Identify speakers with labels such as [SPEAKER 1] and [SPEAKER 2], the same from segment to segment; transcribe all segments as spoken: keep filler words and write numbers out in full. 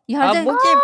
[SPEAKER 1] Yerde...
[SPEAKER 2] Aa, bu kim?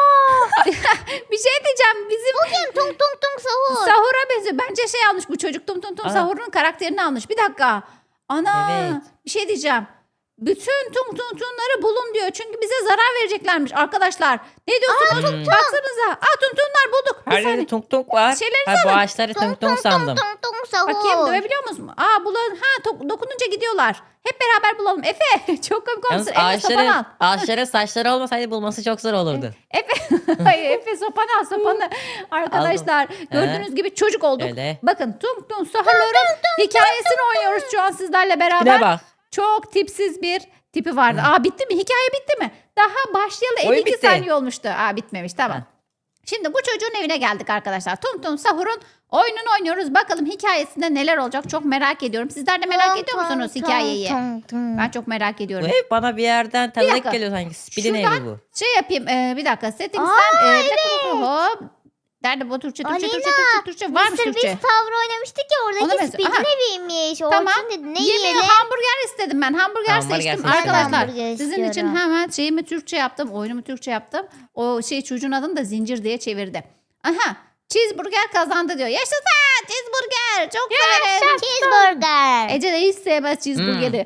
[SPEAKER 1] Bir şey diyeceğim. Bizim
[SPEAKER 3] Bugün tung tung tung sahur.
[SPEAKER 1] sahura benziyor. Bence şey almış bu çocuk. Tum tum tum
[SPEAKER 2] Aa.
[SPEAKER 1] sahurun karakterini almış. Bir dakika. Ana.
[SPEAKER 2] Evet.
[SPEAKER 1] Bir şey diyeceğim. Bütün tung tung tungları bulun diyor. Çünkü bize zarar vereceklermiş arkadaşlar. Ne diyorsunuz?
[SPEAKER 2] Hmm.
[SPEAKER 1] Baksanıza. Aa tung tunglar bulduk. Bir
[SPEAKER 2] Her
[SPEAKER 1] saniye.
[SPEAKER 2] yerde tung tung var.
[SPEAKER 1] Şeylerinizi
[SPEAKER 2] Ha, bu
[SPEAKER 1] alın.
[SPEAKER 2] ağaçları tung tung
[SPEAKER 3] Tung
[SPEAKER 2] sandım.
[SPEAKER 3] tung tung sahur.
[SPEAKER 1] Bakayım dövebiliyor musun? Aa bulan ha to- dokununca gidiyorlar. Hep beraber bulalım. Efe çok komik
[SPEAKER 2] Yalnız
[SPEAKER 1] olmuşsun. Efe sopanı al.
[SPEAKER 2] ağaçların, ağaçların saçları olmasaydı bulması çok zor olurdu.
[SPEAKER 1] Efe, hayır, Efe sopanı al sopanı. Arkadaşlar gördüğünüz gibi çocuk olduk.
[SPEAKER 2] Öyle.
[SPEAKER 1] Bakın tung tung sahurların hikayesini oynuyoruz şu an sizlerle
[SPEAKER 2] Bir
[SPEAKER 1] beraber.
[SPEAKER 2] de bak.
[SPEAKER 1] Çok tipsiz bir tipi vardı. Aa bitti mi? Hikaye bitti mi? Daha başlayalı
[SPEAKER 2] Oyun
[SPEAKER 1] elli iki
[SPEAKER 2] bitti.
[SPEAKER 1] saniye olmuştu. Aa bitmemiş tamam.
[SPEAKER 2] Ha.
[SPEAKER 1] Şimdi bu çocuğun evine geldik arkadaşlar. Tum Tum Sahur'un oyununu oynuyoruz. Bakalım hikayesinde neler olacak çok merak ediyorum. Sizler de merak ediyor musunuz hikayeyi? Ben çok merak
[SPEAKER 2] Bu
[SPEAKER 1] ediyorum.
[SPEAKER 2] ev bana bir yerden
[SPEAKER 1] dakika.
[SPEAKER 2] tanıdık geliyor sanki. Spilin evi
[SPEAKER 1] Şuradan-
[SPEAKER 2] bu.
[SPEAKER 1] Şey yapayım e, bir dakika settings'ten e, bir dakika, hop. Nerede bu Türkçe Türkçe Türkçe Türkçe Türkçe varmış
[SPEAKER 3] Mısır
[SPEAKER 1] Türkçe.
[SPEAKER 3] biz tavır oynamıştık ya
[SPEAKER 1] Ona
[SPEAKER 3] oradaki
[SPEAKER 1] benziyor.
[SPEAKER 3] Speed'in
[SPEAKER 1] Aha.
[SPEAKER 3] eviymiş.
[SPEAKER 1] Tamam.
[SPEAKER 3] Orçun dedi ne
[SPEAKER 1] Yemeğe
[SPEAKER 3] yiyelim?
[SPEAKER 1] hamburger istedim ben. Hamburger,
[SPEAKER 2] Hamburger
[SPEAKER 1] seçtim
[SPEAKER 2] seçtim.
[SPEAKER 1] arkadaşlar.
[SPEAKER 3] Hamburger
[SPEAKER 1] Sizin için
[SPEAKER 3] istiyorum.
[SPEAKER 1] hemen şeyimi Türkçe yaptım. Oyunumu Türkçe yaptım. O şey çocuğun adını da zincir diye çevirdi. Aha. Cheeseburger kazandı diyor. Yaşasın cheeseburger. Çok severim.
[SPEAKER 3] Cheeseburger.
[SPEAKER 1] Ece de hiç sevmez cheeseburgeri.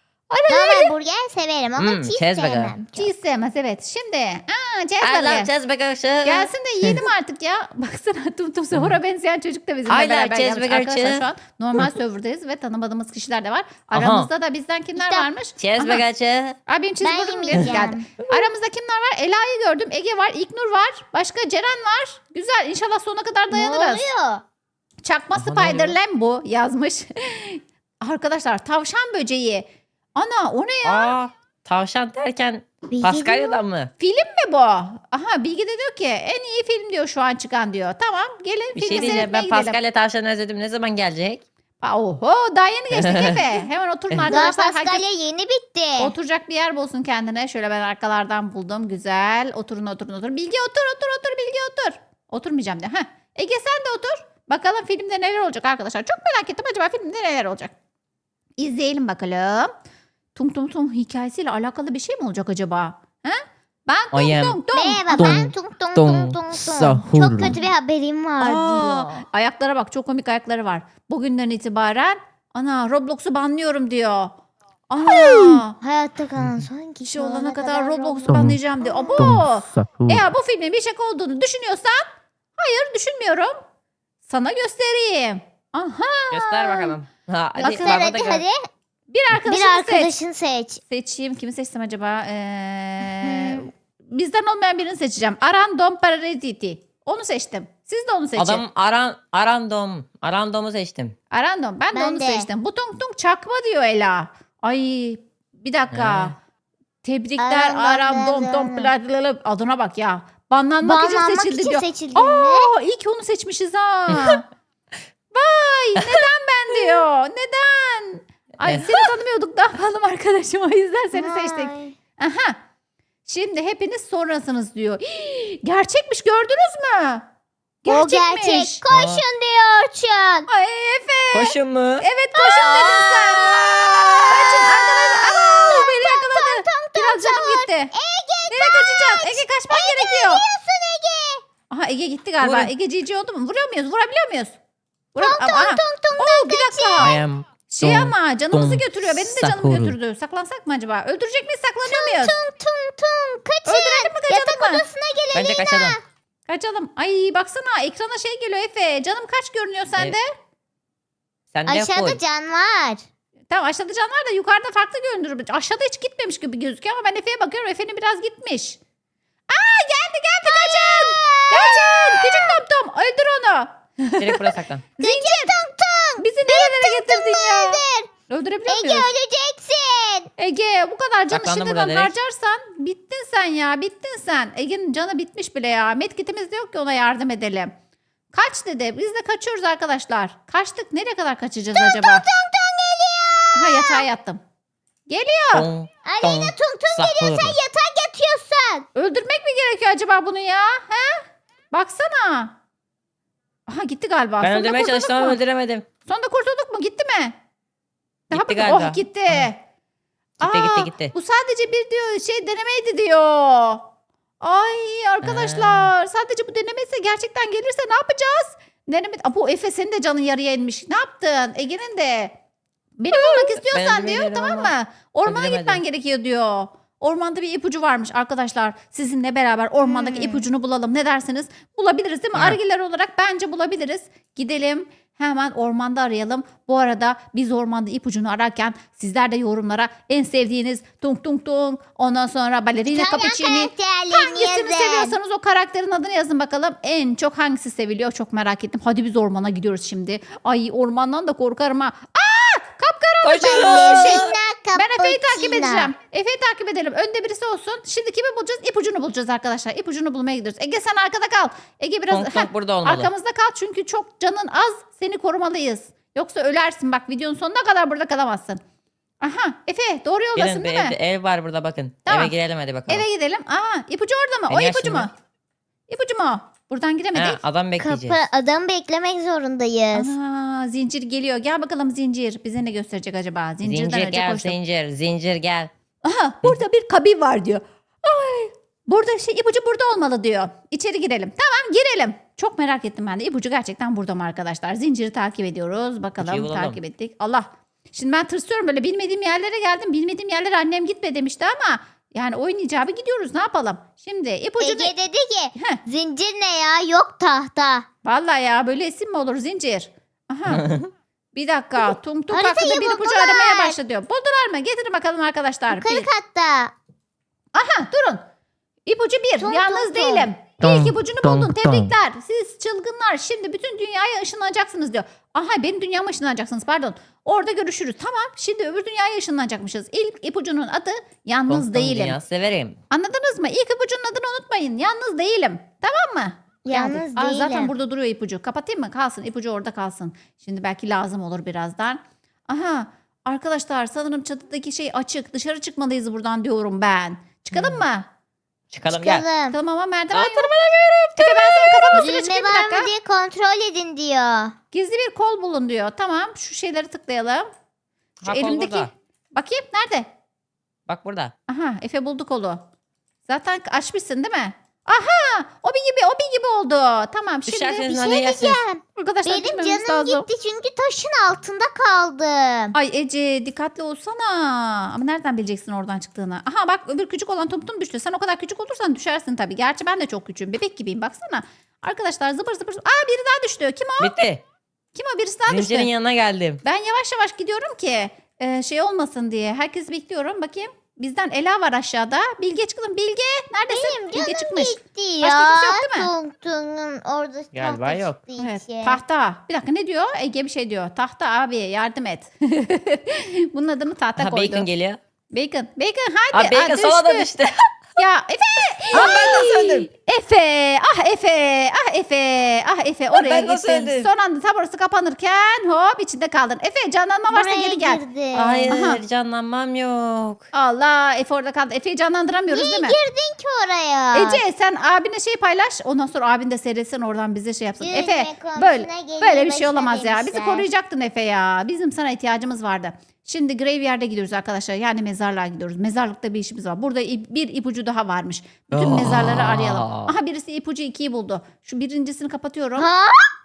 [SPEAKER 3] Normal burger severim ama
[SPEAKER 2] Hmm,
[SPEAKER 3] cheese
[SPEAKER 2] cheeseburger.
[SPEAKER 3] sevmem. çok.
[SPEAKER 1] Cheese sevmez evet. Şimdi aa
[SPEAKER 2] I
[SPEAKER 1] cheeseburger.
[SPEAKER 2] love cheeseburger.
[SPEAKER 1] Gelsin de yiyelim artık ya. Baksana tum tum sahura benzeyen çocuk da bizimle
[SPEAKER 2] I like
[SPEAKER 1] beraber gelmiş.
[SPEAKER 2] cheeseburger
[SPEAKER 1] Arkadaşlar
[SPEAKER 2] too.
[SPEAKER 1] şu an normal serverdayız ve tanımadığımız kişiler de var. Aramızda da bizden kimler
[SPEAKER 3] İşte-
[SPEAKER 1] varmış? Aha.
[SPEAKER 2] Cheeseburger.
[SPEAKER 1] Abi benim cheeseburger'ım diye
[SPEAKER 3] yemeyeceğim.
[SPEAKER 1] geldi. Aramızda kimler var? Ela'yı gördüm. Ege var. İknur var. Başka Ceren var. Güzel. İnşallah sona kadar
[SPEAKER 3] Ne
[SPEAKER 1] dayanırız.
[SPEAKER 3] oluyor?
[SPEAKER 1] Çakma
[SPEAKER 2] Aha, ne
[SPEAKER 1] Spider-Lam bu yazmış. Arkadaşlar tavşan böceği. Ana o ne ya?
[SPEAKER 2] Aa, tavşan derken
[SPEAKER 3] Bilgi
[SPEAKER 2] Paskalya'dan mı?
[SPEAKER 1] Film mi bu? Aha Bilgi de diyor ki en iyi film diyor şu an çıkan diyor. Tamam gelin
[SPEAKER 2] Bir
[SPEAKER 1] filmi
[SPEAKER 2] şey diyeceğim.
[SPEAKER 1] seyretmeye
[SPEAKER 2] Ben
[SPEAKER 1] gidelim.
[SPEAKER 2] Paskalya tavşanı özledim. Ne zaman gelecek?
[SPEAKER 1] Aa, Oho daha yeni geçtik Efe. Hemen oturun
[SPEAKER 3] Daha
[SPEAKER 1] arkadaşlar. Herkes
[SPEAKER 3] Paskalya yeni bitti.
[SPEAKER 1] oturacak bir yer bulsun kendine. Şöyle ben arkalardan buldum. Güzel. Oturun oturun oturun. Bilgi otur otur otur Bilgi otur. Oturmayacağım de. Heh. Ege sen de otur. Bakalım filmde neler olacak arkadaşlar. Çok merak ettim acaba filmde neler olacak. İzleyelim bakalım. Tung Tung Tung hikayesiyle alakalı bir şey mi olacak acaba? He? Ben Tung
[SPEAKER 2] I am
[SPEAKER 1] Tung Tung.
[SPEAKER 3] Merhaba
[SPEAKER 2] Tung,
[SPEAKER 3] ben tung tung
[SPEAKER 2] tung,
[SPEAKER 3] tung tung tung.
[SPEAKER 2] sahur.
[SPEAKER 3] Çok kötü bir haberim var
[SPEAKER 1] Aa,
[SPEAKER 3] diyor.
[SPEAKER 1] ayaklara bak çok komik ayakları var. Bugünden itibaren ana Roblox'u banlıyorum diyor. Ana
[SPEAKER 3] Hayatta kalan son kişi
[SPEAKER 1] kişi olana kadar
[SPEAKER 3] Roblox.
[SPEAKER 1] Roblox'u banlayacağım diyor. Abo. Eğer bu filmin bir şaka olduğunu düşünüyorsan hayır düşünmüyorum. Sana göstereyim. Aha.
[SPEAKER 2] Göster bakalım. Ha, hadi,
[SPEAKER 1] Göster,
[SPEAKER 2] bana da
[SPEAKER 3] Hadi
[SPEAKER 2] gör.
[SPEAKER 3] hadi.
[SPEAKER 1] Bir arkadaşını
[SPEAKER 3] Bir
[SPEAKER 1] seç.
[SPEAKER 3] arkadaşını seç.
[SPEAKER 1] Seçeyim. Kimi seçsem acaba? Ee, bizden olmayan birini seçeceğim. Arandom Paraditi. Onu seçtim. Siz de onu seçin.
[SPEAKER 2] Adam aran, arandom. Arandom'u seçtim.
[SPEAKER 1] Arandom. Ben, de
[SPEAKER 3] Ben
[SPEAKER 1] onu
[SPEAKER 3] de.
[SPEAKER 1] seçtim. Bu tung tung çakma diyor Ela. Ay bir dakika.
[SPEAKER 2] He.
[SPEAKER 1] Tebrikler
[SPEAKER 3] Arandom,
[SPEAKER 1] Arandom.
[SPEAKER 3] Arandom.
[SPEAKER 1] Tom Pladlala. Adına bak ya. Banlanmak için
[SPEAKER 3] Banlanmak
[SPEAKER 1] seçildi
[SPEAKER 3] için
[SPEAKER 1] diyor.
[SPEAKER 3] seçildin mi?
[SPEAKER 1] Aa, iyi ki onu seçmişiz ha. Vay neden ben diyor. Neden? Ay
[SPEAKER 2] Eh.
[SPEAKER 1] seni tanımıyorduk ne yapalım arkadaşım. O yüzden seni seçtik.
[SPEAKER 3] Vay.
[SPEAKER 1] Aha. Şimdi hepiniz sonrasınız diyor. Hii, gerçekmiş gördünüz mü?
[SPEAKER 3] O
[SPEAKER 1] Gerçekmiş.
[SPEAKER 3] gerçek. Koşun diyor Orçun.
[SPEAKER 1] Ay Efe.
[SPEAKER 2] Koşun mu?
[SPEAKER 1] Evet koşun dedin sen. Kaçın arkadaşlar. Aa, beni yakaladı. Biraz canım gitti. Ege Nereye kaçacaksın? Ege kaçman gerekiyor.
[SPEAKER 3] Biliyorsun Ege.
[SPEAKER 1] Aha Ege gitti galiba.
[SPEAKER 2] Vurun.
[SPEAKER 1] Ege cici oldu mu? Vuruyor muyuz? Vurabiliyor muyuz? Vuram
[SPEAKER 3] Tung
[SPEAKER 1] Aha.
[SPEAKER 3] tung tung
[SPEAKER 1] Oo, bir dakika.
[SPEAKER 2] I am
[SPEAKER 1] Şey
[SPEAKER 2] Tung
[SPEAKER 1] ama canımızı
[SPEAKER 2] tung
[SPEAKER 1] götürüyor. Benim de canımı
[SPEAKER 2] sahur.
[SPEAKER 1] götürdü. Saklansak mı acaba? Öldürecek miyiz? Saklanıyor muyuz?
[SPEAKER 3] tung tung tung. Kaçın.
[SPEAKER 1] Öldürelim mi kaçalım
[SPEAKER 3] Yatak
[SPEAKER 1] mı?
[SPEAKER 3] odasına gelin.
[SPEAKER 2] Bence kaçalım.
[SPEAKER 1] Kaçalım. Ay baksana ekrana şey geliyor Efe. Canım kaç görünüyor sende?
[SPEAKER 2] Sen de
[SPEAKER 3] Aşağıda
[SPEAKER 2] full.
[SPEAKER 3] can var.
[SPEAKER 1] Tamam aşağıda can var da yukarıda farklı görünür. Aşağıda hiç gitmemiş gibi gözüküyor ama ben Efe'ye bakıyorum. Efe'nin biraz gitmiş. Aa geldi geldi kaçın. Kaçın. Küçük Tom Tom öldür onu.
[SPEAKER 2] Direkt buraya saklan.
[SPEAKER 1] Zincir. Bizi nerelere getirdin ya?
[SPEAKER 3] Öldür.
[SPEAKER 1] Öldürebiliyor
[SPEAKER 3] Ege
[SPEAKER 1] muyuz?
[SPEAKER 3] öleceksin.
[SPEAKER 1] Ege bu kadar canı
[SPEAKER 2] Saklandı burada
[SPEAKER 1] şimdiden
[SPEAKER 2] direkt.
[SPEAKER 1] harcarsan bittin sen ya bittin sen. Ege'nin canı bitmiş bile ya. Medkitimiz de yok ki ona yardım edelim. Kaç dedi. Biz de kaçıyoruz arkadaşlar. Kaçtık. Nereye kadar kaçacağız acaba?
[SPEAKER 3] Tung tung geliyor.
[SPEAKER 1] Aha yatağa yattım. Geliyor.
[SPEAKER 2] Tung
[SPEAKER 3] Aleyna
[SPEAKER 2] tung
[SPEAKER 3] tung tung geliyor. Sen
[SPEAKER 2] sahur.
[SPEAKER 3] yatak yatıyorsun.
[SPEAKER 1] Öldürmek mi gerekiyor acaba bunu ya? He? Baksana. Aha gitti galiba.
[SPEAKER 2] Ben
[SPEAKER 1] Sonunda
[SPEAKER 2] öldürmeye
[SPEAKER 1] kurtulduk
[SPEAKER 2] çalıştım ama
[SPEAKER 1] mu?
[SPEAKER 2] öldüremedim.
[SPEAKER 1] Sonunda kurtulduk mu? Gitti mi? Daha
[SPEAKER 2] Gitti
[SPEAKER 1] bakın-
[SPEAKER 2] galiba.
[SPEAKER 1] Oh gitti.
[SPEAKER 2] Gitti
[SPEAKER 1] Aa,
[SPEAKER 2] gitti gitti.
[SPEAKER 1] Bu sadece bir diyor şey denemeydi diyor. Ay arkadaşlar sadece bu denemeyse gerçekten gelirse ne yapacağız? Deneme... Aa, bu Efe senin de canın yarıya inmiş. Ne yaptın? Ege'nin de. Benim olmak istiyorsan diyor
[SPEAKER 2] öldürebilirim
[SPEAKER 1] tamam
[SPEAKER 2] ama
[SPEAKER 1] mı? Ormana
[SPEAKER 2] öldüremedim.
[SPEAKER 1] gitmen gerekiyor diyor. Ormanda bir ipucu varmış arkadaşlar. Sizinle beraber ormandaki
[SPEAKER 3] Hmm.
[SPEAKER 1] ipucunu bulalım. Ne dersiniz? Bulabiliriz değil mi?
[SPEAKER 2] Ha.
[SPEAKER 1] Argiler olarak bence bulabiliriz. Gidelim hemen ormanda arayalım. Bu arada biz ormanda ipucunu ararken sizler de yorumlara en sevdiğiniz tung tung tung ondan sonra balerina
[SPEAKER 3] İtalyan
[SPEAKER 1] cappuccini
[SPEAKER 3] karakterlerini
[SPEAKER 1] hangisini
[SPEAKER 3] yazın.
[SPEAKER 1] seviyorsanız o karakterin adını yazın bakalım. En çok hangisi seviliyor çok merak ettim. Hadi biz ormana gidiyoruz şimdi. Ay ormandan da korkarım ha. Aa! Kapkaranlık.
[SPEAKER 2] Koşun.
[SPEAKER 1] Ben, şey,
[SPEAKER 3] Ballerina
[SPEAKER 1] ben Efe'yi takip
[SPEAKER 3] cappuccino.
[SPEAKER 1] edeceğim. Efe'yi takip edelim. Önde birisi olsun. Şimdi kimi bulacağız? İpucunu bulacağız arkadaşlar. İpucunu bulmaya gidiyoruz. Ege sen arkada kal. Ege biraz
[SPEAKER 2] Tong
[SPEAKER 1] Heh,
[SPEAKER 2] Tong burada olmalı.
[SPEAKER 1] arkamızda kal çünkü çok canın az. Seni korumalıyız. Yoksa ölersin. Bak videonun sonuna kadar burada kalamazsın. Aha Efe doğru yoldasın
[SPEAKER 2] Gelin bir
[SPEAKER 1] değil mi?
[SPEAKER 2] evde ev var burada bakın.
[SPEAKER 1] Tamam.
[SPEAKER 2] Eve girelim hadi bakalım.
[SPEAKER 1] Eve gidelim. Aa ipucu orada mı? O
[SPEAKER 2] Beni
[SPEAKER 1] ipucu
[SPEAKER 2] açın
[SPEAKER 1] mu? İpucu mu? o? Buradan giremedik.
[SPEAKER 2] Ha, adam bekleyeceğiz.
[SPEAKER 3] Kapı adamı beklemek zorundayız.
[SPEAKER 1] Ana zincir geliyor. Gel bakalım zincir. Bize ne gösterecek acaba? Zincirden
[SPEAKER 2] Zincir
[SPEAKER 1] önce
[SPEAKER 2] gel
[SPEAKER 1] koştum.
[SPEAKER 2] zincir. Zincir gel.
[SPEAKER 1] Aha burada bir kabin var diyor. Ay, burada şey ipucu burada olmalı diyor. İçeri girelim. Tamam girelim. Çok merak ettim ben de. İpucu gerçekten burada mı arkadaşlar? Zinciri takip ediyoruz. Bakalım
[SPEAKER 2] İpucuyu bulalım.
[SPEAKER 1] takip ettik. Allah. Şimdi ben tırsıyorum böyle bilmediğim yerlere geldim. Bilmediğim yerlere annem gitme demişti ama yani oyun icabı gidiyoruz. Ne yapalım? Şimdi ipucu
[SPEAKER 3] Ege dedi ki
[SPEAKER 1] Heh.
[SPEAKER 3] zincir ne ya yok tahta.
[SPEAKER 1] Vallahi ya böyle isim mi olur zincir? Aha. Bir dakika. Tung tung
[SPEAKER 3] Haritayı
[SPEAKER 1] hakkında bir ipucu
[SPEAKER 3] buldular.
[SPEAKER 1] aramaya başladı diyor. Buldular mı? Getirin bakalım arkadaşlar.
[SPEAKER 3] Yukarı
[SPEAKER 1] Bir-
[SPEAKER 3] katta.
[SPEAKER 1] Aha durun. İpucu bir.
[SPEAKER 3] Tung
[SPEAKER 1] Yalnız
[SPEAKER 3] tung
[SPEAKER 1] değilim.
[SPEAKER 4] tung.
[SPEAKER 1] İlk ipucunu
[SPEAKER 4] Tung
[SPEAKER 1] buldun.
[SPEAKER 4] tung.
[SPEAKER 1] Tebrikler. Siz çılgınlar. Şimdi bütün dünyaya ışınlanacaksınız diyor. Aha benim dünyama ışınlanacaksınız pardon. Orada görüşürüz. Tamam. Şimdi öbür dünyaya ışınlanacakmışız. İlk ipucunun adı yalnız
[SPEAKER 2] Tong Tong
[SPEAKER 1] değilim.
[SPEAKER 2] dünya severim.
[SPEAKER 1] Anladınız mı? İlk ipucunun adını unutmayın. Yalnız değilim. Tamam mı?
[SPEAKER 3] Yalnız
[SPEAKER 1] Geldik. Aa, zaten
[SPEAKER 3] değilim.
[SPEAKER 1] burada duruyor ipucu. Kapatayım mı? Kalsın. İpucu orada kalsın. Şimdi belki lazım olur birazdan. Aha. Arkadaşlar sanırım çatıdaki şey açık. Dışarı çıkmalıyız buradan diyorum ben. Çıkalım mı?
[SPEAKER 2] Çıkalım gel.
[SPEAKER 3] Çıkalım.
[SPEAKER 1] Tamam ama merdiven
[SPEAKER 2] Aa,
[SPEAKER 1] yok. Efe ben senin kafana süre
[SPEAKER 3] Düğme
[SPEAKER 1] çıkayım bir
[SPEAKER 3] var
[SPEAKER 1] dakika.
[SPEAKER 3] mı diye kontrol edin diyor.
[SPEAKER 1] Gizli bir kol bulun diyor. Tamam şu şeyleri tıklayalım. Şu
[SPEAKER 2] Ha, kol
[SPEAKER 1] elimdeki.
[SPEAKER 2] burada.
[SPEAKER 1] Bakayım nerede?
[SPEAKER 2] Bak burada.
[SPEAKER 1] Aha Efe buldu kolu. Zaten açmışsın değil mi? Aha o bir gibi o bir gibi oldu. Tamam şimdi
[SPEAKER 2] Düşerseniz
[SPEAKER 3] Bir
[SPEAKER 2] hadi
[SPEAKER 3] şey
[SPEAKER 2] yersiniz.
[SPEAKER 3] diyeceğim.
[SPEAKER 1] arkadaşlar
[SPEAKER 3] Benim
[SPEAKER 1] gitmemiz
[SPEAKER 3] canım
[SPEAKER 1] lazım.
[SPEAKER 3] gitti çünkü taşın altında kaldım.
[SPEAKER 1] Ay Ece dikkatli olsana. Ama nereden bileceksin oradan çıktığını? Aha bak öbür küçük olan tum tum düştü. Sen o kadar küçük olursan düşersin tabii. Gerçi ben de çok küçüğüm. Bebek gibiyim baksana. Arkadaşlar zıpır zıpır. zıpır. Aa biri daha düştü. Kim o?
[SPEAKER 2] Bitti.
[SPEAKER 1] Kim o? Birisi daha düştü.
[SPEAKER 2] Zincirin yanına geldim.
[SPEAKER 1] Ben yavaş yavaş gidiyorum ki e, şey olmasın diye. Herkes bekliyorum. Bakayım. Bizden Ela var aşağıda. Bilge çıkalım. Bilge neredesin?
[SPEAKER 3] Benim
[SPEAKER 1] Bilge
[SPEAKER 3] canım
[SPEAKER 1] çıkmış.
[SPEAKER 3] gitti
[SPEAKER 1] Başka
[SPEAKER 3] ya.
[SPEAKER 1] kimse yok değil mi?
[SPEAKER 3] Tung Tung'un orada
[SPEAKER 2] Galiba
[SPEAKER 3] tahta
[SPEAKER 2] yok.
[SPEAKER 3] çıktığı
[SPEAKER 1] Evet.
[SPEAKER 3] için.
[SPEAKER 1] Tahta. Bir dakika ne diyor? Ege bir şey diyor. Tahta abi yardım et. Bunun adını tahta
[SPEAKER 2] Ha,
[SPEAKER 1] koydu.
[SPEAKER 2] Bacon geliyor.
[SPEAKER 1] Bacon. Bacon hadi.
[SPEAKER 2] Ha Bacon
[SPEAKER 1] Aa,
[SPEAKER 2] sola da
[SPEAKER 1] düştü.
[SPEAKER 2] düştü.
[SPEAKER 1] Ya Efe.
[SPEAKER 2] Aa, ben nasıl öldüm?
[SPEAKER 1] Efe. Ah Efe. Ah Efe. Ah Efe oraya
[SPEAKER 2] ben nasıl
[SPEAKER 1] gittin.
[SPEAKER 2] öldüm?
[SPEAKER 1] Son anda tam orası kapanırken hop içinde kaldın. Efe canlanma varsa
[SPEAKER 3] Buraya
[SPEAKER 1] geri gel.
[SPEAKER 3] girdi.
[SPEAKER 2] Hayır
[SPEAKER 1] Aha.
[SPEAKER 2] canlanmam yok.
[SPEAKER 1] Allah Efe orada kaldı. Efe'yi canlandıramıyoruz
[SPEAKER 3] Niye
[SPEAKER 1] değil mi?
[SPEAKER 3] girdin ki oraya?
[SPEAKER 1] Ece sen abine şey paylaş. Ondan sonra abin de seyretsin oradan bize şey yapsın.
[SPEAKER 3] Yüzme
[SPEAKER 1] Efe
[SPEAKER 3] komşuna
[SPEAKER 1] böyle
[SPEAKER 3] gelir
[SPEAKER 1] böyle bir şey
[SPEAKER 3] başına
[SPEAKER 1] olamaz ya. Bizi
[SPEAKER 3] demişler.
[SPEAKER 1] koruyacaktın Efe ya. Bizim sana ihtiyacımız vardı. Şimdi graveyard'a gidiyoruz arkadaşlar. Yani mezarlığa gidiyoruz. Mezarlıkta bir işimiz var. Burada ip- bir ipucu daha varmış. Bütün
[SPEAKER 2] Aa.
[SPEAKER 1] mezarları arayalım. Aha birisi ipucu ikiyi buldu. Şu birincisini kapatıyorum.
[SPEAKER 3] Ha?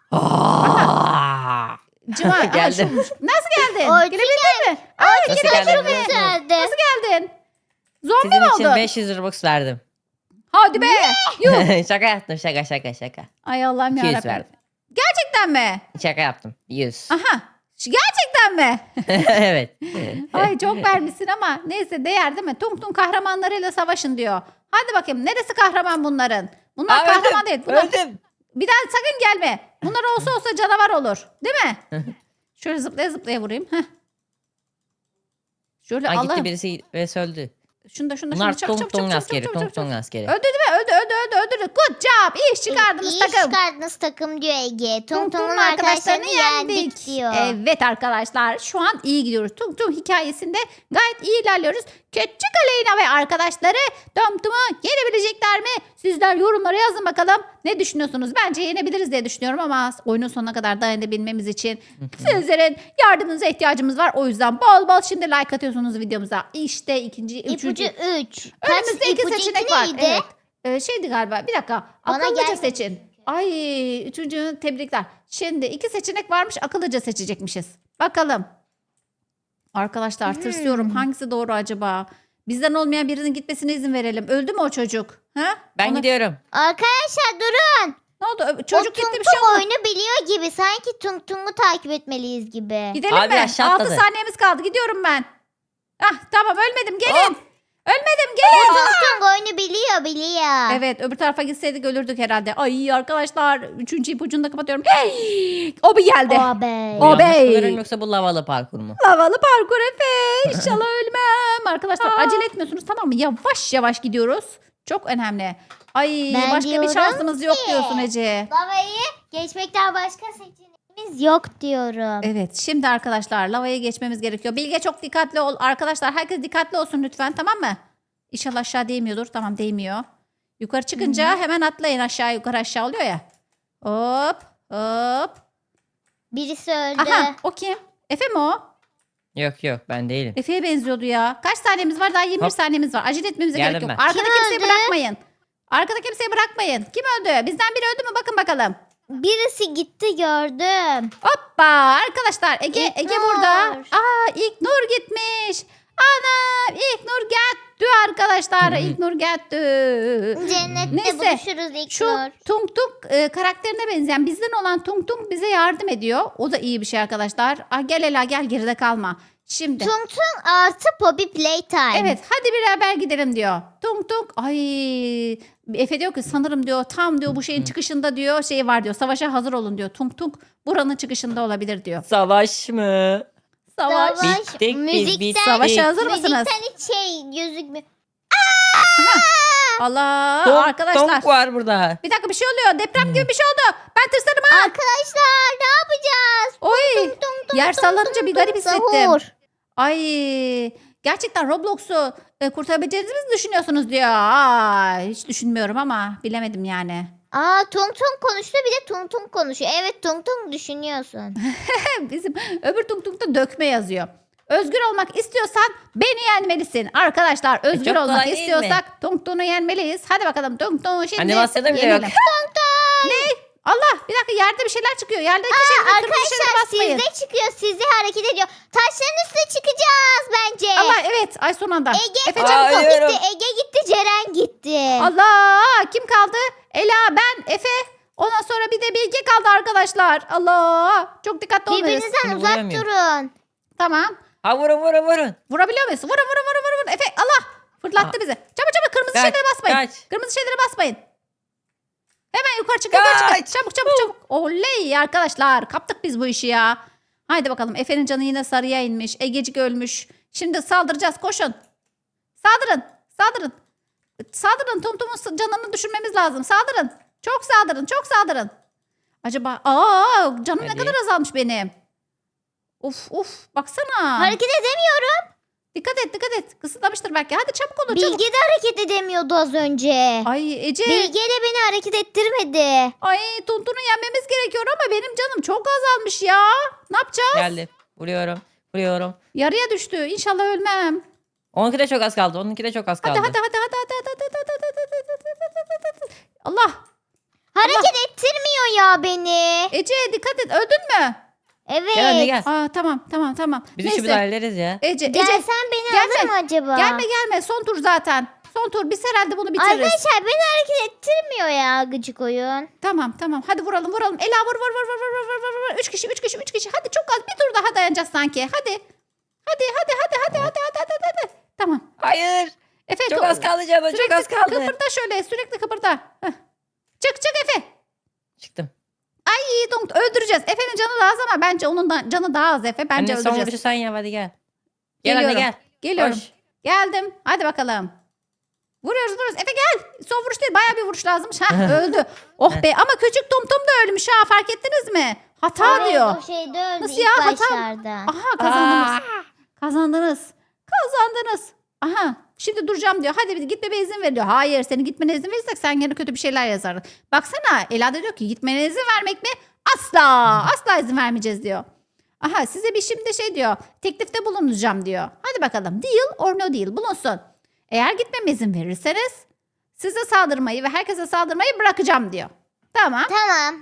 [SPEAKER 2] Aa!
[SPEAKER 1] Cima. aha,
[SPEAKER 2] Geldim.
[SPEAKER 1] şuymuş. Nasıl geldin?
[SPEAKER 3] Orçun
[SPEAKER 1] Gelebildin mi? Aa,
[SPEAKER 2] Nasıl
[SPEAKER 1] geri
[SPEAKER 2] geldin
[SPEAKER 1] oturun.
[SPEAKER 2] biliyor musun?
[SPEAKER 3] Güzeldi.
[SPEAKER 1] Nasıl geldin? Zombi mi
[SPEAKER 2] Sizin için
[SPEAKER 1] oldun?
[SPEAKER 2] beş yüz Robux verdim.
[SPEAKER 1] Hadi be. Yuh.
[SPEAKER 2] Şaka yaptım şaka şaka şaka.
[SPEAKER 1] Ay Allah'ım
[SPEAKER 2] iki yüz
[SPEAKER 1] yarabbim.
[SPEAKER 2] verdim.
[SPEAKER 1] Gerçekten mi?
[SPEAKER 2] Şaka yaptım. yüz.
[SPEAKER 1] Aha. Şu- Gerçekten mi?
[SPEAKER 2] Evet.
[SPEAKER 1] Ay çok vermişsin ama neyse değer değil mi? Tung Tung kahramanlarıyla savaşın diyor. Hadi bakayım neresi kahraman bunların? Bunlar
[SPEAKER 2] Aa,
[SPEAKER 1] kahraman
[SPEAKER 2] öldüm,
[SPEAKER 1] değil. Bunlar...
[SPEAKER 2] Öldüm.
[SPEAKER 1] Bir daha sakın gelme. Bunlar olsa olsa canavar olur. Değil mi? Şöyle zıplaya zıplaya vurayım. Heh. Şöyle
[SPEAKER 2] Aa, gitti
[SPEAKER 1] Allah'ım.
[SPEAKER 2] birisi ve öldü.
[SPEAKER 1] Şunu da şunu da şunu
[SPEAKER 2] Bunlar
[SPEAKER 1] da çabuk
[SPEAKER 2] Tung
[SPEAKER 1] çabuk çabuk
[SPEAKER 2] Tung
[SPEAKER 1] çabuk
[SPEAKER 2] askeri.
[SPEAKER 1] çabuk
[SPEAKER 2] Tung
[SPEAKER 1] çabuk.
[SPEAKER 2] Tung askeri.
[SPEAKER 1] Öldü değil mi? Öldü öldü öldü öldü. Good job. İyi iş çıkardınız
[SPEAKER 3] İyi
[SPEAKER 1] takım.
[SPEAKER 3] çıkardınız takım diyor Ege. Tung
[SPEAKER 1] Tung
[SPEAKER 3] Tung'un
[SPEAKER 1] Tung'un
[SPEAKER 3] arkadaşlarını yendik diyor.
[SPEAKER 1] Evet arkadaşlar şu an iyi gidiyoruz. Tung Tung hikayesinde gayet iyi ilerliyoruz. Küçük Aleyna ve arkadaşları Tung Tung'u yenebilecekler mi? Sizler yorumlara yazın bakalım. Ne düşünüyorsunuz? Bence yenebiliriz diye düşünüyorum ama oyunun sonuna kadar dayanabilmemiz için sizlerin yardımınıza ihtiyacımız var. O yüzden bol bol şimdi like atıyorsunuz videomuza. İşte ikinci, üçüncü.
[SPEAKER 3] İpucu üç. Kaç
[SPEAKER 1] Önümüzde iki
[SPEAKER 3] ipucu
[SPEAKER 1] seçenek
[SPEAKER 3] iki
[SPEAKER 1] var.
[SPEAKER 3] neydi?
[SPEAKER 1] Evet. Ee, şeydi galiba. Bir dakika.
[SPEAKER 3] Bana
[SPEAKER 1] Akıllıca
[SPEAKER 3] gelmedi
[SPEAKER 1] seçin. Ay üçüncü tebrikler. Şimdi iki seçenek varmış. Akıllıca seçecekmişiz. Bakalım. Arkadaşlar
[SPEAKER 3] Hmm.
[SPEAKER 1] tırsıyorum. Hangisi doğru acaba? Bizden olmayan birinin gitmesine izin verelim. Öldü mü o çocuk? Ha?
[SPEAKER 2] Ben
[SPEAKER 1] Ona-
[SPEAKER 2] gidiyorum.
[SPEAKER 3] Arkadaşlar durun.
[SPEAKER 1] Ne oldu? Ö-
[SPEAKER 3] O
[SPEAKER 1] Çocuk
[SPEAKER 3] Tung
[SPEAKER 1] gitti bir
[SPEAKER 3] Tung
[SPEAKER 1] şey oldu.
[SPEAKER 3] oyunu biliyor gibi. Sanki Tung Tung'u takip etmeliyiz gibi.
[SPEAKER 1] Gidelim
[SPEAKER 2] Abi
[SPEAKER 1] mi?
[SPEAKER 2] aşağı
[SPEAKER 1] altı
[SPEAKER 2] atladı.
[SPEAKER 1] saniyemiz kaldı. Gidiyorum ben. Ah tamam ölmedim. Gelin.
[SPEAKER 2] Hop.
[SPEAKER 1] Ölmedim gelin.
[SPEAKER 3] Tung Tung oyunu biliyor biliyor.
[SPEAKER 1] Evet öbür tarafa gitseydik ölürdük herhalde. Ay arkadaşlar üçüncü ipucunu da kapatıyorum. Hey! O bir geldi.
[SPEAKER 3] O be.
[SPEAKER 2] Bu
[SPEAKER 1] O
[SPEAKER 2] yanlış
[SPEAKER 1] bey.
[SPEAKER 2] mı görüyorum yoksa bu lavalı parkur mu?
[SPEAKER 1] Havalı parkur Efe. İnşallah ölmem. Arkadaşlar acele etmiyorsunuz tamam mı? Yavaş yavaş gidiyoruz. Çok önemli. Ay
[SPEAKER 3] Ben
[SPEAKER 1] başka bir
[SPEAKER 3] diyorum
[SPEAKER 1] şansımız yok
[SPEAKER 3] ki-
[SPEAKER 1] diyorsun Ece.
[SPEAKER 3] Lavayı geçmekten başka seçeneğimiz yok diyorum.
[SPEAKER 1] Evet şimdi arkadaşlar lavaya geçmemiz gerekiyor. Bilge çok dikkatli ol. Arkadaşlar herkes dikkatli olsun lütfen tamam mı? İnşallah aşağı değmiyordur. Tamam değmiyor. Yukarı çıkınca hemen atlayın aşağı yukarı aşağı oluyor ya. Hop hop.
[SPEAKER 3] Birisi öldü.
[SPEAKER 1] Aha o kim? Efe mi o?
[SPEAKER 2] Yok yok ben değilim.
[SPEAKER 1] Efe'ye benziyordu ya. Kaç saniyemiz var? Daha yirmi bir
[SPEAKER 2] Hop.
[SPEAKER 1] saniyemiz var. Acele etmemize
[SPEAKER 2] Geldim
[SPEAKER 1] gerek yok.
[SPEAKER 2] ben.
[SPEAKER 1] Arkada
[SPEAKER 3] Kim
[SPEAKER 1] kimseyi
[SPEAKER 3] öldü?
[SPEAKER 1] bırakmayın. Arkada kimseyi bırakmayın. Kim öldü? Bizden biri öldü mü? Bakın bakalım.
[SPEAKER 3] Birisi gitti gördüm.
[SPEAKER 1] Hoppa arkadaşlar Ege
[SPEAKER 3] İlk
[SPEAKER 1] Ege
[SPEAKER 3] Nur.
[SPEAKER 1] burada. Aa ilk Nur gitmiş. Ana ilk Nur gitti arkadaşlar.
[SPEAKER 2] Hı hı.
[SPEAKER 1] İlk Nur gitti.
[SPEAKER 3] Cennette
[SPEAKER 1] Neyse,
[SPEAKER 3] buluşuruz ilk
[SPEAKER 1] Şu
[SPEAKER 3] Nur.
[SPEAKER 1] Tung Tung e, karakterine benzeyen bizden olan Tung Tung bize yardım ediyor. O da iyi bir şey arkadaşlar. Ah, gel Ela gel geride kalma. Şimdi
[SPEAKER 3] Tung Tung artı Poppy Playtime.
[SPEAKER 1] evet hadi beraber gidelim diyor. Tung Tung ay Efe diyor ki sanırım diyor tam diyor bu şeyin
[SPEAKER 2] Hı.
[SPEAKER 1] çıkışında diyor şey var diyor. Savaşa hazır olun diyor. Tung Tung buranın çıkışında olabilir diyor.
[SPEAKER 2] Savaş mı?
[SPEAKER 1] Savaş.
[SPEAKER 3] Savaş.
[SPEAKER 2] Bittik biz
[SPEAKER 3] Müzikten-
[SPEAKER 2] bittik.
[SPEAKER 1] Savaşa hazır mısınız?
[SPEAKER 3] Müzikten hiç şey gözükmüyor.
[SPEAKER 1] Allah
[SPEAKER 2] Tonk-
[SPEAKER 1] arkadaşlar.
[SPEAKER 2] tonk var burada.
[SPEAKER 1] Bir dakika bir şey oluyor. Deprem gibi bir şey oldu. Ben tırsarım ha.
[SPEAKER 3] Arkadaşlar ne yapacağız?
[SPEAKER 1] Oy.
[SPEAKER 3] Tung tung
[SPEAKER 1] Yer
[SPEAKER 3] tung
[SPEAKER 1] sallanınca
[SPEAKER 3] tung
[SPEAKER 1] bir garip
[SPEAKER 3] tung
[SPEAKER 1] hissettim.
[SPEAKER 3] sahur.
[SPEAKER 1] Ay gerçekten Roblox'u e, kurtarabileceğinizi mi düşünüyorsunuz diyor. Aa, hiç düşünmüyorum ama bilemedim yani.
[SPEAKER 3] Aa Tung Tung konuştu bir de Tung Tung konuşuyor. Evet Tung Tung düşünüyorsun.
[SPEAKER 1] Bizim öbür tung tungda dökme yazıyor. Özgür olmak istiyorsan beni yenmelisin. Arkadaşlar özgür
[SPEAKER 2] çok
[SPEAKER 1] olmak
[SPEAKER 2] kolay değil mi?
[SPEAKER 1] istiyorsak tung tung'u yenmeliyiz. Hadi bakalım tung tung'u şimdi
[SPEAKER 2] Animasyonu bile
[SPEAKER 1] yenelim.
[SPEAKER 2] yok.
[SPEAKER 1] Ne? Allah bir dakika yerde bir şeyler çıkıyor. Yerdeki şeylere kırmızı şeylere
[SPEAKER 3] Arkadaşlar
[SPEAKER 1] basmayın.
[SPEAKER 3] sizde çıkıyor sizde hareket ediyor. Taşların üstüne çıkacağız bence.
[SPEAKER 1] Allah evet ay son anda.
[SPEAKER 3] Ege
[SPEAKER 1] Efe
[SPEAKER 3] Tung
[SPEAKER 1] çabuk ol.
[SPEAKER 2] Hayır.
[SPEAKER 3] gitti. Ege gitti Ceren gitti.
[SPEAKER 1] Allah kim kaldı? Ela ben Efe. Ondan sonra bir de Bilge kaldı arkadaşlar. Allah çok dikkatli olmalıyız.
[SPEAKER 3] Birbirinizden
[SPEAKER 2] Seni
[SPEAKER 3] uzak
[SPEAKER 2] vuramıyorum.
[SPEAKER 3] durun.
[SPEAKER 1] Tamam.
[SPEAKER 2] Ha vurun vurun vurun.
[SPEAKER 1] Vurabiliyor muyuz? Vurun vurun vurun vurun. vurun. Efe Allah fırlattı
[SPEAKER 2] Aa.
[SPEAKER 1] bizi. Çabuk çabuk kırmızı
[SPEAKER 2] Kaç,
[SPEAKER 1] şeylere basmayın.
[SPEAKER 2] kaç.
[SPEAKER 1] Kırmızı şeylere basmayın. Hemen yukarı çık yukarı çık.
[SPEAKER 2] Kaç.
[SPEAKER 1] Çabuk çabuk çabuk. Oley arkadaşlar kaptık biz bu işi ya. Haydi bakalım Efe'nin canı yine sarıya inmiş. Egecik ölmüş. Şimdi saldıracağız koşun. Saldırın saldırın. Saldırın Tumtum'un canını düşürmemiz lazım. Saldırın. Çok saldırın çok saldırın. Acaba aa canım ne
[SPEAKER 2] Hadi.
[SPEAKER 1] kadar azalmış benim. Uf uf baksana.
[SPEAKER 3] Hareket edemiyorum.
[SPEAKER 1] Dikkat et dikkat et. Kısıtlamıştır belki. Hadi çabuk olun çabuk.
[SPEAKER 3] Bilge de hareket edemiyordu az önce.
[SPEAKER 1] Ay Ece.
[SPEAKER 3] Bilge de beni hareket ettirmedi.
[SPEAKER 1] Ay Tuntun'u yenmemiz gerekiyor ama benim canım çok azalmış ya. Ne yapacağız?
[SPEAKER 2] Geldi. Vuruyorum. Vuruyorum.
[SPEAKER 1] Yarıya düştü. İnşallah ölmem.
[SPEAKER 2] Onunki de çok az kaldı. Onunki de çok az kaldı.
[SPEAKER 1] Hadi hadi hadi hadi hadi hadi hadi hadi hadi hadi hadi hadi hadi. Allah.
[SPEAKER 3] Hareket ettirmiyor ya beni.
[SPEAKER 1] Ece dikkat et. Öldün mü?
[SPEAKER 3] Evet.
[SPEAKER 2] Gel anne gel.
[SPEAKER 1] Aa tamam tamam tamam.
[SPEAKER 2] Biz işi bir
[SPEAKER 1] Neyse.
[SPEAKER 2] hallederiz ya.
[SPEAKER 1] Ece Ece
[SPEAKER 3] Gelsen beni
[SPEAKER 1] gelme.
[SPEAKER 3] alır mı acaba?
[SPEAKER 1] gelme gelme. Son tur zaten. Son tur. Biz herhalde bunu bitiririz.
[SPEAKER 3] Arkadaşlar beni hareket ettirmiyor ya gıcık oyun.
[SPEAKER 1] Tamam tamam. Hadi vuralım vuralım. Ela vur vur vur vur vur vur vur vur. Üç kişi üç kişi üç kişi. Hadi çok az bir tur daha dayanacağız sanki. Hadi. Hadi hadi hadi hadi hadi hadi hadi hadi. hadi. Tamam.
[SPEAKER 2] Hayır.
[SPEAKER 1] Efe
[SPEAKER 2] Çok
[SPEAKER 1] do-
[SPEAKER 2] az kaldı canım. Çok
[SPEAKER 1] Sürekli
[SPEAKER 2] az kaldı.
[SPEAKER 1] kıpırda şöyle sürekli kıpırda. Heh. Çık çık Efe.
[SPEAKER 2] Çıktım.
[SPEAKER 1] İyi Donk öldüreceğiz. Efe'nin canı daha az ama bence onun da, canı daha az Efe. Bence
[SPEAKER 2] Anne son
[SPEAKER 1] öldüreceğiz.
[SPEAKER 2] vuruşu sen yap hadi gel. Gel anne
[SPEAKER 1] Geliyorum.
[SPEAKER 2] gel.
[SPEAKER 1] Geliyorum.
[SPEAKER 2] Koş.
[SPEAKER 1] Geldim. Hadi bakalım. Vuruyoruz vuruyoruz. Efe gel. Son vuruş değil. Bayağı bir vuruş lazımmış. Ha öldü. Oh be ama küçük Tum Tum da ölmüş ha. Fark ettiniz mi? Hata
[SPEAKER 3] Evet,
[SPEAKER 1] diyor.
[SPEAKER 3] o şeyde öldü
[SPEAKER 1] Nasıl
[SPEAKER 3] ilk
[SPEAKER 1] ya, hata-
[SPEAKER 3] başlarda.
[SPEAKER 1] Aha kazandınız.
[SPEAKER 2] Aa.
[SPEAKER 1] Kazandınız. Kazandınız. Aha şimdi duracağım diyor. Hadi bir gitmeme izin ver diyor. Hayır seni gitmene izin verirsek sen gene kötü bir şeyler yazardın. Baksana Ela da diyor ki gitmene izin vermek mi? Asla. Asla izin vermeyeceğiz diyor. Aha size bir şimdi şey diyor. Teklifte bulunacağım diyor. Hadi bakalım. Deal or no deal bulunsun. Eğer gitmeme izin verirseniz size saldırmayı ve herkese saldırmayı bırakacağım diyor. Tamam.
[SPEAKER 3] Tamam.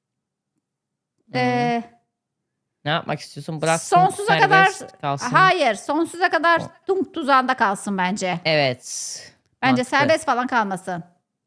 [SPEAKER 1] Ee,
[SPEAKER 2] Ne yapmak istiyorsun? Bırak.
[SPEAKER 1] sonsuza
[SPEAKER 2] serbest
[SPEAKER 1] kadar
[SPEAKER 2] kalsın.
[SPEAKER 1] hayır sonsuza kadar
[SPEAKER 2] O-
[SPEAKER 1] tung tuzağında kalsın bence.
[SPEAKER 2] Evet.
[SPEAKER 1] Bence
[SPEAKER 2] Mantıklı.
[SPEAKER 1] serbest falan kalmasın.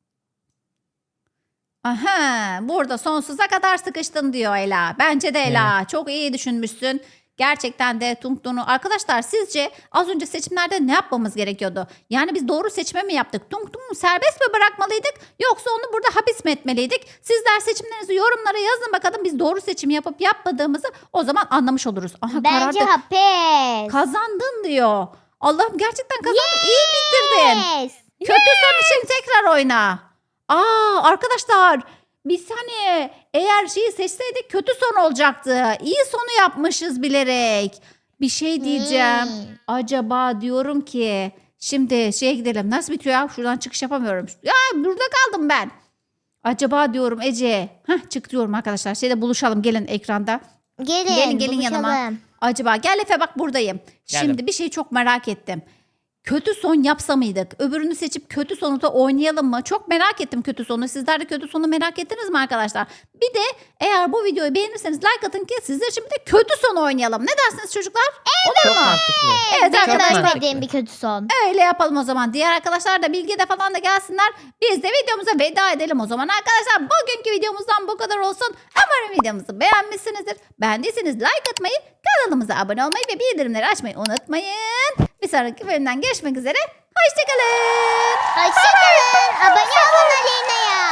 [SPEAKER 1] Aha, burada sonsuza kadar sıkıştın diyor Ela. Bence de Ela. Çok iyi düşünmüşsün. Gerçekten de Tung Tung'u. Arkadaşlar sizce az önce seçimlerde ne yapmamız gerekiyordu? Yani biz doğru seçime mi yaptık? Tung Tung'u serbest mi bırakmalıydık? Yoksa onu burada hapis mi etmeliydik? Sizler seçimlerinizi yorumlara yazın bakalım. Biz doğru seçim yapıp yapmadığımızı o zaman anlamış oluruz. Aha,
[SPEAKER 3] Bence
[SPEAKER 1] karardı.
[SPEAKER 3] hapis.
[SPEAKER 1] Kazandın diyor. Allah'ım gerçekten kazandın. İyi bitirdin.
[SPEAKER 3] Yes.
[SPEAKER 1] Kötü son için tekrar oyna. Aa arkadaşlar bir saniye eğer şeyi seçseydik kötü son olacaktı. İyi sonu yapmışız bilerek. Bir şey diyeceğim.
[SPEAKER 3] Hmm.
[SPEAKER 1] Acaba diyorum ki şimdi şeye gidelim. Nasıl bitiyor ya? Şuradan çıkış yapamıyorum. Ya burada kaldım ben. Acaba diyorum Ece. Heh, çık diyorum arkadaşlar. Şeyde buluşalım gelin ekranda.
[SPEAKER 3] Gelin,
[SPEAKER 1] Gelin, gelin yanıma.
[SPEAKER 3] buluşalım.
[SPEAKER 1] Acaba gel Efe bak buradayım.
[SPEAKER 2] Geldim.
[SPEAKER 1] Şimdi bir şey çok merak ettim. Kötü son yapsa mıydık? Öbürünü seçip kötü sonu da oynayalım mı? Çok merak ettim kötü sonu. Sizler de kötü sonu merak ettiniz mi arkadaşlar? Bir de eğer bu videoyu beğenirseniz like atın ki sizler için bir de kötü son oynayalım. Ne dersiniz çocuklar?
[SPEAKER 2] Çok mantıklı.
[SPEAKER 1] Evet
[SPEAKER 3] Benim
[SPEAKER 1] arkadaşlar.
[SPEAKER 2] mantıklı.
[SPEAKER 3] istediğim bir kötü son.
[SPEAKER 1] Öyle yapalım o zaman. Diğer arkadaşlar da Bilge de falan da gelsinler. Biz de videomuza veda edelim o zaman. Arkadaşlar bugünkü videomuzdan bu kadar olsun. Umarım videomuzu beğenmişsinizdir. Beğendiyseniz like atmayı, kanalımıza abone olmayı ve bildirimleri açmayı unutmayın. Bir sonraki bölümden görüşmek üzere. Hoşçakalın.
[SPEAKER 3] Hoşçakalın. Abone olun Alena'ya.